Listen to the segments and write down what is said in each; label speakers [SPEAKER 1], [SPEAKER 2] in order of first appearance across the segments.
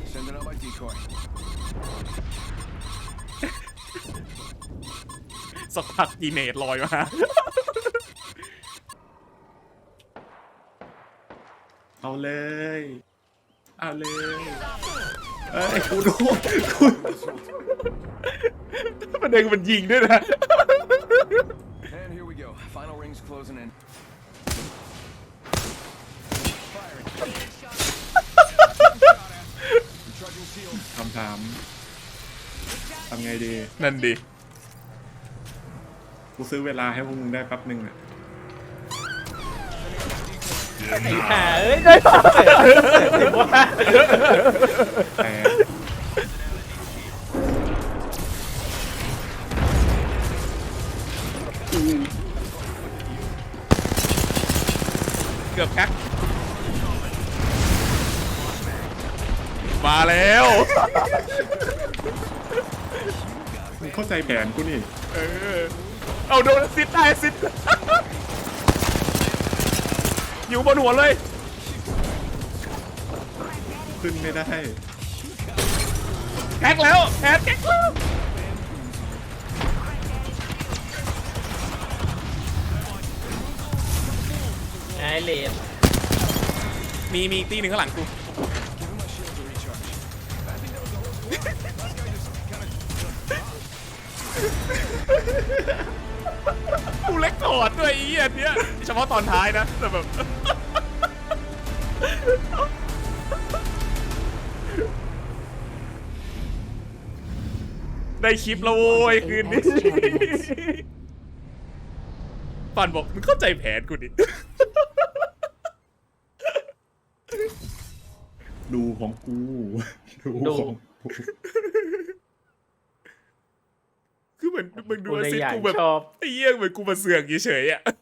[SPEAKER 1] Sending out my decoy.
[SPEAKER 2] สักพักดีเนตลอยมาเอาเลยเอาเลยเอ้ยกูดูประเด็นมันยิงด้วยนะ
[SPEAKER 1] And here we go. Final rings closing in. Firing. Recharging shield.
[SPEAKER 3] คำถามทำไงดี
[SPEAKER 2] นั่นดิ
[SPEAKER 3] กูซื้อเวลาให้พวกมึงได้แป๊บนึงอ่ะ
[SPEAKER 4] ไอ้ห่าเอ้ยได้ป่ะ
[SPEAKER 3] แต่
[SPEAKER 2] เกือบแพ็คมาแล้ว
[SPEAKER 3] มึงเข้าใจแผนกูนี่
[SPEAKER 2] เออเอาโดนซิดได้ซิดอยู่บนหัวเลย
[SPEAKER 3] ขึ้นไม่ได้
[SPEAKER 2] แพ็คแล้วแพ็คแล้ว
[SPEAKER 4] ไอ้เลน
[SPEAKER 2] มีอีกตีหนึ่งข้างหลังกู
[SPEAKER 1] Giving my shield a recharge. I think that was the whole squad. This guy just kind of.
[SPEAKER 2] กูเล็กถอดด้วยไอ้เหี้ยเนี้ยเฉพาะตอนท้ายนะแต่แบบ ได้คลิปแล้วโว้ยคืนนี้ปันบอกมึงเข้าใจแผนกูดิ
[SPEAKER 3] ดูของกู ดูของกู
[SPEAKER 2] คือเหมือนมึงดู
[SPEAKER 4] กูเลย
[SPEAKER 2] ซิ
[SPEAKER 4] อยาก
[SPEAKER 2] กูแบบ
[SPEAKER 4] ชอบ
[SPEAKER 2] ไอ้เหี้ยเหมือนกูมาเสือกเฉยๆอ่ะ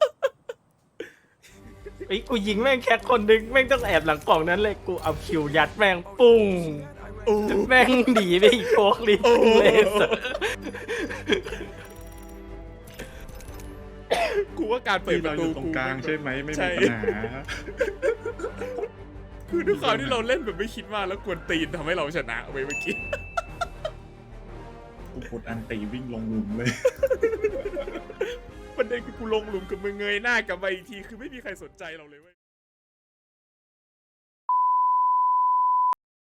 [SPEAKER 4] ไอ้กูยิงแม่งแค่คนนึงแม่งต้องแอบหลังกล่องนั้นเลยกูเอาคิวยัดแม่งปุ้งแม่งหนีไปอีกโคกลิเลยสัส
[SPEAKER 2] กูว่าการเปิด
[SPEAKER 3] ที่
[SPEAKER 2] ป
[SPEAKER 3] เรา
[SPEAKER 2] ระ
[SPEAKER 3] อ
[SPEAKER 2] ตู
[SPEAKER 3] ยู่ตรงกลางใช่ไหมไม่
[SPEAKER 2] ใช่
[SPEAKER 3] มีปัญหา
[SPEAKER 2] คือด้วยความที่เราเล่นแบบไม่คิดมากแล้วกวนตีนทำให้เราชนะไปเมื่อกี้
[SPEAKER 3] กูกดอันตีวิ่งลงหลุมเลย
[SPEAKER 2] ประเด็นคือกูลงหลุมกับมึงเงยหน้ากลับมาอีกทีคือไม่มีใครสนใจเราเลยเว้ย